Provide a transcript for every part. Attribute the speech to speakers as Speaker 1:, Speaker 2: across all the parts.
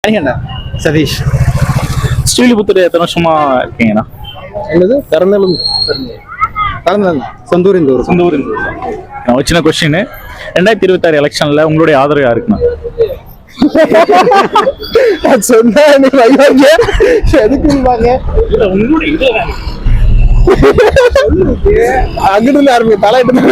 Speaker 1: சதீஷ்.
Speaker 2: ஸ்ரீவில்லிபுத்தூர் எத்தனை வருஷமா இருக்கீங்கண்ணா?
Speaker 1: என்னது? பிறந்தாலும் சொந்த ஊர் இந்த ஊர்.
Speaker 2: சொந்த ஊர் இந்த ஊர். ஒரு சின்ன கொஸ்டின், 2026 எலெக்ஷன்ல உங்களுடைய ஆதரவு யாருக்குண்ணா?
Speaker 1: சொன்னா எதுக்குன்னு அங்கிட்டு ஆரம்பி தலையிட்டு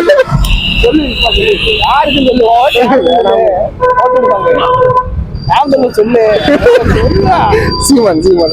Speaker 1: சொல்லு. சீமான் சீமான்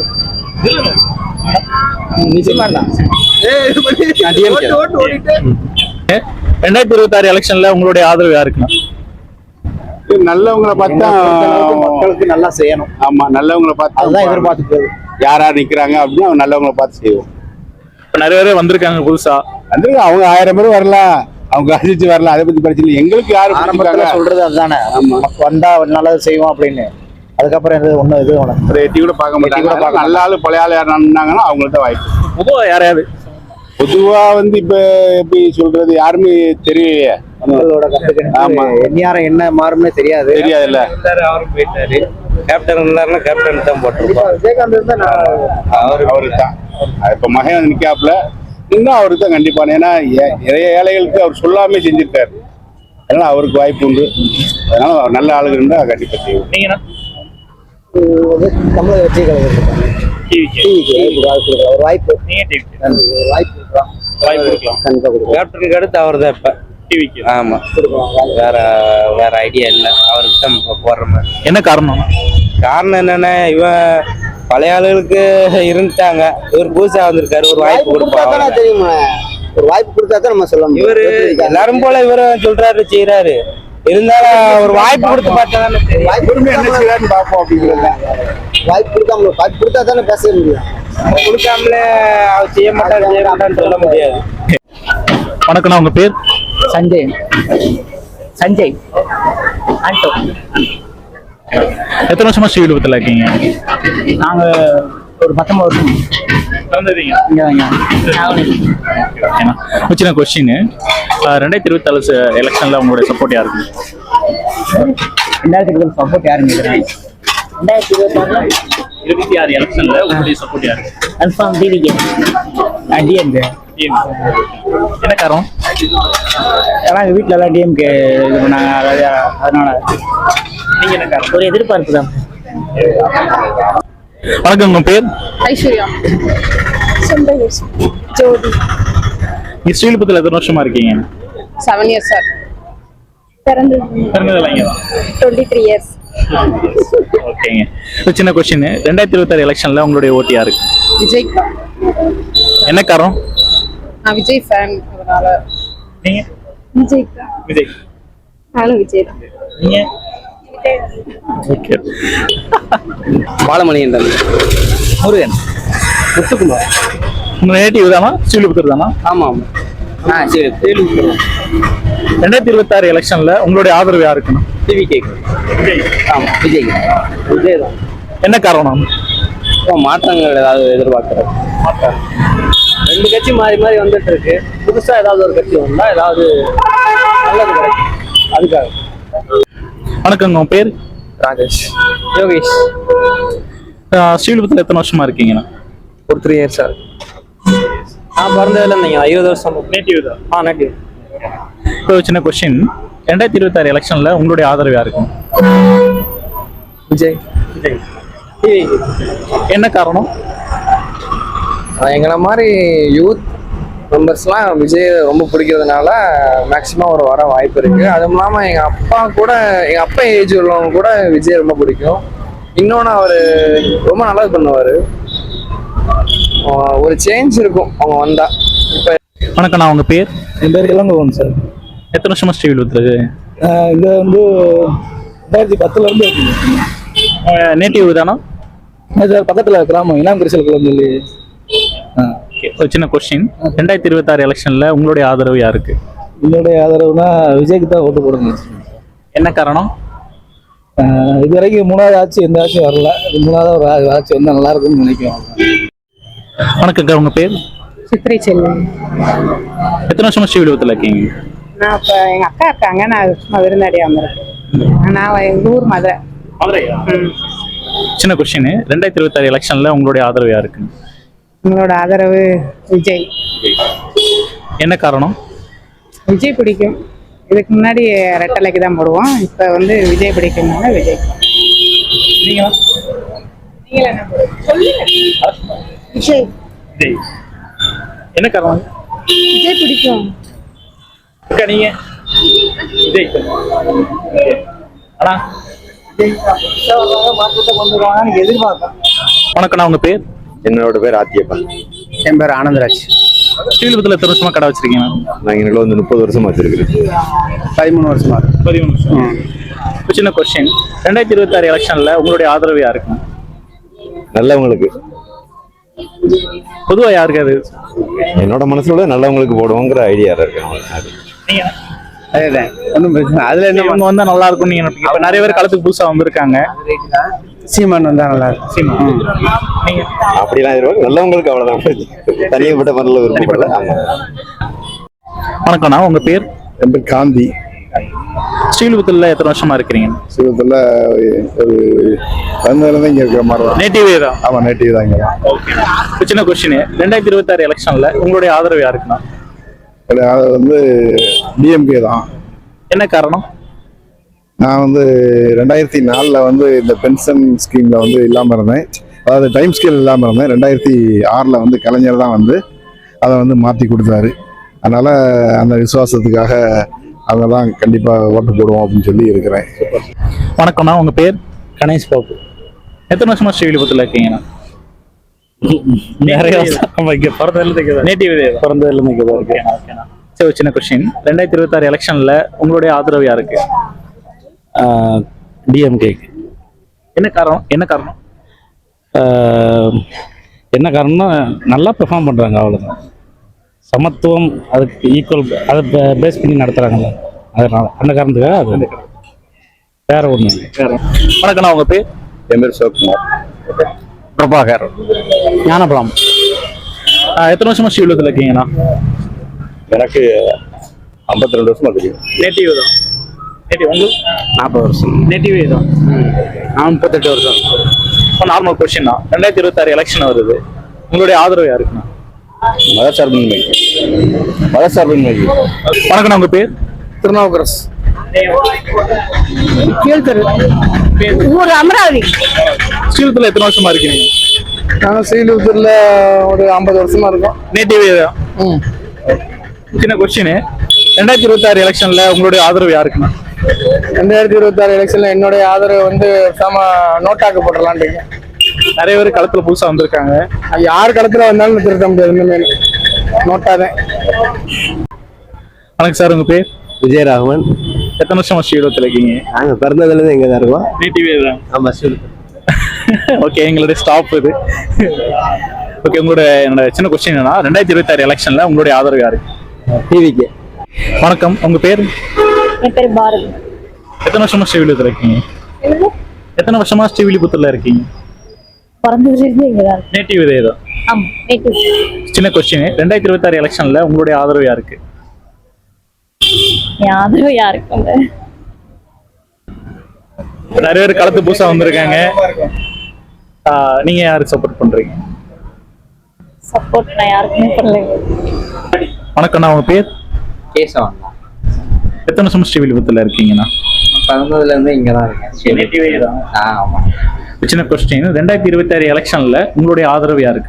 Speaker 2: 2026 எலெக்ஷன்ல உங்களுடைய ஆதரவு யாருக்குண்ணா?
Speaker 3: நல்லவங்களை பார்த்தா
Speaker 1: மக்களுக்கு நல்லா செய்யணும்.
Speaker 3: ஆமா, நல்லவங்களை பார்த்து
Speaker 1: அதுதான் எதிர்பார்த்துட்டு
Speaker 3: யாரா நிக்கிறாங்க அப்படின்னு அவங்க நல்லவங்களை பார்த்து செய்வோம்.
Speaker 2: இப்ப நிறைய பேர் வந்திருக்காங்க புதுசா.
Speaker 3: வந்து அவங்க 1000 பேர் வரலாம், அவங்க அழிச்சு வரலாம், அதை பத்தி பிரச்சனை இல்லை. எங்களுக்கு யாரும்
Speaker 1: ஆரம்பத்துல சொல்றது அதுதானே, வந்தா நல்லது செய்வோம் அப்படின்னு. அதுக்கப்புறம் ஒன்னும் இது
Speaker 3: ஒரு எட்டி கூட பார்க்க மாட்டாங்க. நல்ல ஆளு பழைய ஆளு யார் நின்னாங்கன்னா அவங்கள்ட்ட வாய்ப்பு.
Speaker 2: பொதுவா யாரையாவது
Speaker 3: பொதுவா வந்து இப்ப எப்படி சொல்றது யாருமே தெரியலையே.
Speaker 1: ஆமா, யாரும் என்ன மாறும்னே தெரியாதுல்ல.
Speaker 4: அவரும் போயிட்டாரு. கேப்டன் இருந்தாருன்னா கேப்டன் தான் போட்டிருப்பாரு.
Speaker 1: விஜயகாந்த் இருந்தா
Speaker 3: அவருக்கு தான் இப்ப மகன் வந்து நிக்காப்புல இன்னும் அவருக்கு தான் கண்டிப்பா. ஏன்னா நிறைய ஏழைகளுக்கு அவர் சொல்லாமே செஞ்சிருக்காரு. அதனால அவருக்கு வாய்ப்பு உண்டு. அதனால அவர் நல்ல ஆளுங்க இருந்தா கண்டிப்பா செய்வோம்.
Speaker 2: நீங்கண்ணா?
Speaker 1: தமிழக ஒரு வாய்ப்பு
Speaker 4: கேப்டனுக்கு அடுத்து அவர் தான் இப்ப டிவிக்கு. ஆமா, வேற ஐடியா இல்லை. அவருக்கு தான் போடுற மாதிரி.
Speaker 2: என்ன காரணம்?
Speaker 4: காரணம் என்னன்னா, இவன் பழைய ஆளுகளுக்கு இருந்துட்டாங்க, இவர் புதுசா வந்திருக்காரு. ஒரு வாய்ப்பு கொடுப்பாங்க.
Speaker 1: தெரியுமா, ஒரு வாய்ப்பு கொடுத்தா தான் நம்ம சொல்லணும்.
Speaker 4: இவரு எல்லாரும் போல இவரும் சொல்றாரு செய்யறாரு. இருந்தாலும் ஒரு வாய்ப்பு கொடுத்து பார்த்தா தானே தெரியும்.
Speaker 3: பார்ப்போம் அப்படிங்கிறத.
Speaker 1: வாய்ப்பு கொடுத்தா தானே பேச முடியும்.
Speaker 4: கொடுக்காமலே அவர் செய்ய மாட்டான்னு சொல்ல முடியாது.
Speaker 2: வணக்கண்ணா, உங்க பேர்?
Speaker 5: சஞ்சய். சஞ்சய் ஆண்டோ.
Speaker 2: எத்தனை வருஷமா ஸ்ரீவில்லிபுத்தூர்ல இருக்கீங்க?
Speaker 5: நாங்க ஒரு 19 வருஷம்
Speaker 2: சின்ன கொஸ்டின், 2024 எலெக்ஷன்ல உங்களுடைய சப்போர்ட் யாருக்கு?
Speaker 5: 2026 சப்போர்ட் யாருங்க?
Speaker 2: 2026 எலெக்ஷன்ல உங்களுடைய சப்போர்ட் யாருக்கு?
Speaker 5: Confirm TVK. டிஎம்கே.
Speaker 2: என்ன காரணம்?
Speaker 5: ஏன்னா எங்கள் வீட்டில் எல்லாம் டிஎம்கே இது பண்ணாங்க, அதனால.
Speaker 2: நீங்க என்ன காரணம்?
Speaker 5: ஒரு எதிர்பார்ப்பு தான்.
Speaker 2: வணக்கம், உங்க பேர்?
Speaker 6: ஐஸ்வர்யா. ஜோதி.
Speaker 2: நீ ஸ்ரீவில்லிபுத்தூர்ல எத்தனை வருஷமா இருக்கீங்க?
Speaker 6: 7 years சார்.
Speaker 2: பிறந்ததுல இங்க தான்.
Speaker 6: 23 years.
Speaker 2: ஓகேங்க. ஒரு சின்ன கொஸ்டின், 2026 எலெக்ஷன்ல உங்களுடைய ஓட்டு யாருக்கு?
Speaker 6: விஜய்.
Speaker 2: என்ன காரணம்?
Speaker 6: நான் விஜய் ஃபேன், அதனால.
Speaker 2: நீங்க?
Speaker 6: விஜய்.
Speaker 2: விஜய்.
Speaker 6: நானும் விஜய் தான்.
Speaker 2: நீங்க? ஓகே.
Speaker 4: பாலமணியன் தான்.
Speaker 2: முருகன்.
Speaker 1: முத்துக்குமார்.
Speaker 2: உங்க நேட்டிவ் தானா? ஸ்ரீவில்லிபுத்தூர் தானா?
Speaker 4: ஆமா ஆமா. சரி.
Speaker 2: 2026 எலெக்ஷன்ல உங்களுடைய ஆதரவு யாருக்குன்னா?
Speaker 4: டிவிகே. ஆமா, விஜய். விஜய் தான்.
Speaker 2: என்ன காரணம்?
Speaker 4: மாற்றங்கள் ஏதாவது எதிர்பார்க்கிறோம்.
Speaker 1: ரெண்டு கட்சி மாறி மாறி வந்துட்டு இருக்கு. புதுசா ஏதாவது ஒரு கட்சி வந்தா ஏதாவது நல்லது கிடைக்கும், அதுக்காக.
Speaker 2: வணக்கம், உங்க பேர்?
Speaker 4: ராஜேஷ்.
Speaker 1: யோகேஷ்.
Speaker 2: ஸ்ரீவில்லிபுத்தூர்ல எத்தனை வருஷமா இருக்கீங்கண்ணா?
Speaker 4: ஒரு 3 years சார்.
Speaker 1: நான் பிறந்ததுல இருந்தீங்க 20 வருஷம்.
Speaker 2: நேட்டிவ் தான்.
Speaker 1: நேட்டிவ்.
Speaker 2: இப்போ சின்ன கொஸ்டின், 2026 எலெக்ஷன்ல உங்களுடைய ஆதரவு யாருக்கும்?
Speaker 4: விஜய்.
Speaker 2: என்ன காரணம்?
Speaker 4: எங்களை மாதிரி யூத் மெம்பர்ஸ்லாம் விஜய் ரொம்ப பிடிக்கிறதுனால மேக்சிமம் ஒரு வர வாய்ப்பு இருக்கு. அதுவும் இல்லாமல் எங்கள் அப்பா ஏஜ் உள்ளவங்க கூட விஜய் ரொம்ப பிடிக்கும். இன்னொன்று அவர் ரொம்ப நல்லது பண்ணுவார். ஒரு சேஞ்ச் இருக்கும் அவங்க வந்தா. இப்போ
Speaker 2: வணக்கண்ணா, உங்க பேர்?
Speaker 1: என் பேர் இளங்கோவன் சார்.
Speaker 2: எத்தனை வருஷமா ஸ்ரீவில்லிபுத்தூர்?
Speaker 1: இங்க வந்து 2010 இருந்து
Speaker 2: நேட்டிவ் தானா?
Speaker 1: பக்கத்துல கிராமம் இனாம்பரிசல் சொல்லி.
Speaker 2: ஒரு சின்ன கொஸ்டின், 2026 எலெக்ஷன்ல உங்களுடைய ஆதரவு யாருக்கு?
Speaker 1: என்னுடைய ஆதரவுனா விஜய்க்கு தான் ஓட்டு போடுங்க.
Speaker 2: என்ன காரணம்?
Speaker 1: இது வரைக்கும் 3வது ஆட்சி எந்த ஆட்சியும் வரல. 3வது ஒரு ஆட்சி வந்தா நல்லா இருக்கும்னு நினைக்கிறோம்.
Speaker 2: வணக்கங்க, உங்க பேர்?
Speaker 6: சித்திரை செல்வம்.
Speaker 2: எத்தனை வருஷமா ஸ்ரீவில்லிபுத்தூர்ல இருக்கீங்க?
Speaker 6: நான் இப்போ எங்கள் அக்கா இருக்காங்க, நான் சும்மா விருந்தாடியாக வந்திருக்கேன். நான் எங்கள் ஊர் மதுரை.
Speaker 2: மதுரையா? சின்ன கொஸ்டின், 2026 எலெக்ஷன்ல உங்களுடைய ஆதரவு யாருக்கு?
Speaker 6: உங்களோட ஆதரவு விஜய்.
Speaker 2: என்ன காரணம்?
Speaker 6: விஜய் பிடிக்கும். இதுக்கு முன்னாடி ரெட்டலைக்கு தான் போடுவோம். இப்போ வந்து விஜய் பிடிக்கும்னால விஜய்.
Speaker 2: நீங்களா?
Speaker 6: நீங்கள என்ன சொல்லுங்க. விஜய்.
Speaker 2: விஜய். என்ன காரணம்?
Speaker 6: விஜய் பிடிக்கும்.
Speaker 2: அக்கா நீங்க? விஜய். அண்ணா
Speaker 5: மாற்றத்தை கொண்டு வருவாங்கன்னு எதிர்பார்ப்பேன்.
Speaker 2: வணக்கண்ணா, உங்க பேர்?
Speaker 7: என்னோட பேர் ஆத்தியப்பா.
Speaker 5: என் பேர் ஆனந்தராஜ்.
Speaker 2: ஸ்ரீவில்லிபுத்தூர்ல எத்தனை வருஷமா கடை வச்சிருக்கீங்க?
Speaker 7: நான் இங்கே வந்து 30 வருஷமா வச்சிருக்கிறேன்.
Speaker 5: 13 வருஷமா இருக்கு.
Speaker 2: 13 வருஷம். ஒரு சின்ன கொஸ்டின், 2026 எலெக்ஷன்ல உங்களுடைய ஆதரவு யாருக்கு?
Speaker 7: நல்லவங்களுக்கு,
Speaker 2: பொதுவா யாருக்கு அது?
Speaker 7: என்னோட மனசுல நல்லவங்களுக்கு போடுவோங்கிற ஐடியா இருக்கேன்.
Speaker 2: நீங்க?
Speaker 5: அதேதான், ஒன்றும் பிரச்சனை அதுல என்ன
Speaker 2: இவங்க வந்தா நல்லா இருக்கும் நீங்க நினைப்பீங்க. இப்ப நிறைய பேர் களத்துக்கு புதுசா வந்திருக்காங்க.
Speaker 5: சீமான் வந்தா நல்லா இருக்கும்.
Speaker 2: சீமான். நீங்க?
Speaker 7: அப்படிலாம் எதிர்பார்க்க நல்லவங்களுக்கு அவ்வளவுதான். தனியப்பட்ட மனதில் விருப்பப்படல. ஆமா.
Speaker 2: வணக்கம்ண்ணா, உங்க பேர்?
Speaker 8: என் பேர் காந்தி.
Speaker 2: ஸ்ரீவில்லிபுத்தூர்ல எத்தனை வருஷமா இருக்கிறீங்க?
Speaker 8: சிவத்தில் ஒரு வந்ததுலேருந்து இங்கே இருக்கிற மாதிரி தான்.
Speaker 2: நேட்டிவே தான்.
Speaker 8: ஆமாம், நேட்டிவ் தான் இங்கே தான்.
Speaker 2: ஒரு சின்ன கொஸ்டின், 2026 எலெக்ஷன்ல உங்களுடைய ஆதரவு யாருக்குண்ணா?
Speaker 8: அது வந்து டிஎம்கே தான்.
Speaker 2: என்ன காரணம்?
Speaker 8: நான் வந்து 2004 வந்து இந்த பென்ஷன் ஸ்கீமில் வந்து இல்லாமல் இருந்தேன். அதாவது டைம் ஸ்கேல் இல்லாமல் இருந்தேன். 2006 வந்து கலைஞர் தான் வந்து அதை வந்து மாற்றி கொடுத்தாரு. அதனால் அந்த விசுவாசத்துக்காக அவங்க தான் கண்டிப்பாக ஓட்டு போடுவோம் அப்படின்னு சொல்லி இருக்கிறேன்.
Speaker 2: வணக்கம்ண்ணா, உங்க பேர்?
Speaker 5: கணேஷ் பாபு.
Speaker 2: எத்தனை வருஷமா ஸ்ரீவில்லிபுத்தூர்ல இருக்கீங்கண்ணா?
Speaker 5: நிறைய வருஷம். இங்கே பிறந்ததுலேருந்து
Speaker 2: நேட்டிவே தான்.
Speaker 5: பிறந்ததுலேருந்து இங்கே தான் இருக்கு.
Speaker 2: ஓகேண்ணா. சரி, ஒரு சின்ன கொஸ்டின், 2026 எலெக்ஷன்ல உங்களுடைய ஆதரவு யாருக்கு?
Speaker 5: டிஎம்கேக்கு.
Speaker 2: என்ன காரணம்? என்ன காரணம்?
Speaker 5: என்ன காரணம்னா நல்லா பெர்ஃபார்ம் பண்ணுறாங்க, அவ்வளோதான். சமத்துவம் அதுக்கு ஈக்குவல், அதை பேஸ் பண்ணி நடத்துகிறாங்கல்ல, அதனால அந்த காரணத்துக்காக அது. வேற ஒன்றும் இல்லை.
Speaker 2: வணக்கண்ணா, உங்க பேர்?
Speaker 7: என் பேர் சிவகுமார்.
Speaker 5: பிரபாகர். ஞானபலம்.
Speaker 2: எத்தனை வருஷமா ஸ்ரீவில்லிபுத்தூர்ல இருக்கீங்கண்ணா?
Speaker 7: எனக்கு 52 வருஷமா தெரியும்.
Speaker 2: நேட்டிவ் தான். நேட்டிவ். உங்களுக்கு?
Speaker 5: 40 வருஷம்.
Speaker 2: நேட்டிவே தான்.
Speaker 5: நான் 38 வருஷம்.
Speaker 2: இப்போ நார்மல் கொஸ்டின் தான், 2026 எலெக்ஷன் வருது, உங்களுடைய ஆதரவு யாருக்குண்ணா?
Speaker 7: மதசார்பின்மை. மதசார்பின்மை.
Speaker 2: வணக்கண்ணா, உங்க பேர்?
Speaker 5: திருநாவுக்கரசு.
Speaker 6: ஊர் அமராவதி.
Speaker 2: ஸ்ரீவில்லிபுத்தூர்ல எத்தனை வருஷமா இருக்கீங்க?
Speaker 4: நாங்கள் ஸ்ரீவில்லிபுத்தூர்ல ஒரு 50 வருஷமா இருக்கோம்.
Speaker 2: நேட்டிவே தான். சின்ன கொஸ்டின், 2026 எலெக்ஷன்ல உங்களுடைய ஆதரவு யாருக்குண்ணா?
Speaker 4: 2026 எலெக்ஷன்ல என்னுடைய ஆதரவு வந்து நோட்டாக்கு போட்டுடலான் இருக்கேன்.
Speaker 2: நிறைய பேர் களத்துல புதுசா வந்திருக்காங்க.
Speaker 4: யார் களத்துல வந்தாலும் திருத்த முடியாது. இனிமே நோட்டாதான்.
Speaker 2: வணக்கம் சார், உங்க பேர்?
Speaker 7: விஜயராகவன்.
Speaker 2: எத்தனை வருஷமா ஸ்ரீவில்லிபுத்தூர்ல இருக்கீங்க?
Speaker 7: நாங்கள் பிறந்ததுலேருந்து இங்கே தான் இருக்கோம்.
Speaker 2: நேட்டிவே தான்.
Speaker 7: ஆமாம், ஸ்ரீவில்லிபுத்தூர்.
Speaker 2: ஓகே, எங்களுடைய ஸ்டாப் இது. ஓகே, என்னோட சின்ன கொஸ்டின் என்னன்னா, 2026 எலெக்ஷன்ல உங்களுடைய ஆதரவு யாருக்கு?
Speaker 7: டிவிக்கு.
Speaker 2: வணக்கம், உங்க பேர்?
Speaker 6: என் பேர் பாரதி.
Speaker 2: எத்தனை வருஷமா ஸ்ரீவில்லிபுத்தூர்ல இருக்கீங்க? எத்தனை வருஷமா ஸ்ரீவில்லிபுத்தூர்ல இருக்கீங்க?
Speaker 6: பிறந்ததுலேருந்து இங்கே தான்.
Speaker 2: நேட்டிவ் இதே தான்.
Speaker 6: ஆமாம், நேட்டிவ்.
Speaker 2: சின்ன கொஸ்டின், 2026 எலெக்ஷன்ல உங்களுடைய ஆதரவு யாருக்கு?
Speaker 6: என் ஆதரவு யாருக்கும் இல்லை.
Speaker 2: நிறைய பேர் களத்து புதுசா வந்திருக்காங்க. நீங்க யாருக்கு சப்போர்ட் பண்றீங்க?
Speaker 6: சப்போர்ட் நான் யாருக்குமே பண்ணலைங்க.
Speaker 2: வணக்கம்ண்ணா, உங்க பேர்?
Speaker 5: கேசவன்.
Speaker 2: எத்தனை வருஷம் ஸ்ரீவில்லிபுத்தூர்ல இருக்கீங்கண்ணா?
Speaker 5: பிறந்ததுலேருந்து இங்கே தான் இருக்கேன்.
Speaker 2: நேட்டிவே தான்.
Speaker 5: ஆமாம்.
Speaker 2: சின்ன கொஸ்டின், 2026 எலெக்ஷன்ல உங்களுடைய ஆதரவு யாருக்கு?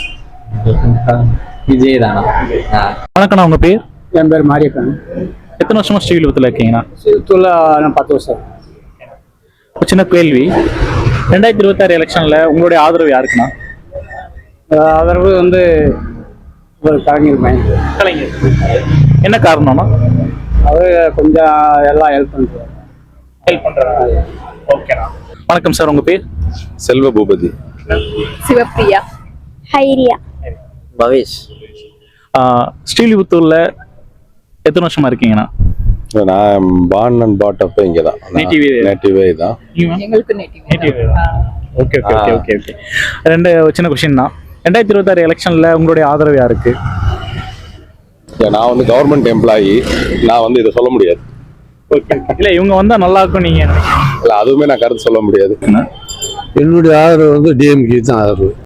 Speaker 5: விஜய் தானா?
Speaker 2: வணக்கம்ண்ணா, உங்க பேர்?
Speaker 5: என் பேர் மாரியப்பன்.
Speaker 2: எத்தனை வருஷமா ஸ்ரீவில்லிபுத்தூர்ல இருக்கீங்கண்ணா?
Speaker 5: சிவத்தூர்ல நான் 10 வருஷம்.
Speaker 2: ஒரு சின்ன கேள்வி, 2026 எலெக்ஷன்ல உங்களுடைய ஆதரவு யாருக்குண்ணா?
Speaker 5: ஆதரவு வந்து ஒரு கலைஞர் பையன்.
Speaker 2: கலைஞர். என்ன காரணம்னா?
Speaker 5: அவர் கொஞ்சம் எல்லாம் ஹெல்ப் பண்ணுறாரு.
Speaker 2: ஹெல்ப் பண்றாங்க. ஓகேண்ணா. வணக்கம் சார், உங்க பேர்?
Speaker 7: செல்வ பூபதி.
Speaker 6: சிவப்பிரியா. ஹைரியா.
Speaker 7: பவேஷ்.
Speaker 2: ஸ்ரீவில்லிபுத்தூர்ல எத்தனை வருஷமா இருக்கீங்கண்ணா?
Speaker 9: நான் பார்ன் அண்ட் பாட் அப் இங்கே தான். நேட்டிவே தான்.
Speaker 6: எங்களுக்கு native.
Speaker 2: Okay okay okay okay okay. ரெண்டு சின்ன கொஸ்டின் தான், 2026 எலெக்ஷன்ல உங்களுடைய ஆதரவு யாருக்கு?
Speaker 9: நான் வந்து கவர்மெண்ட் எம்ப்ளாயி, நான் வந்து இதை சொல்ல முடியாது.
Speaker 2: இல்ல, இவங்க வந்தா நல்லா இருக்கும் நீங்க?
Speaker 9: இல்லை, அதுவுமே நான் கருத்து சொல்ல முடியாது.
Speaker 10: என்னுடைய ஆதரவு வந்து டிஎம்கே தான் ஆதரவு.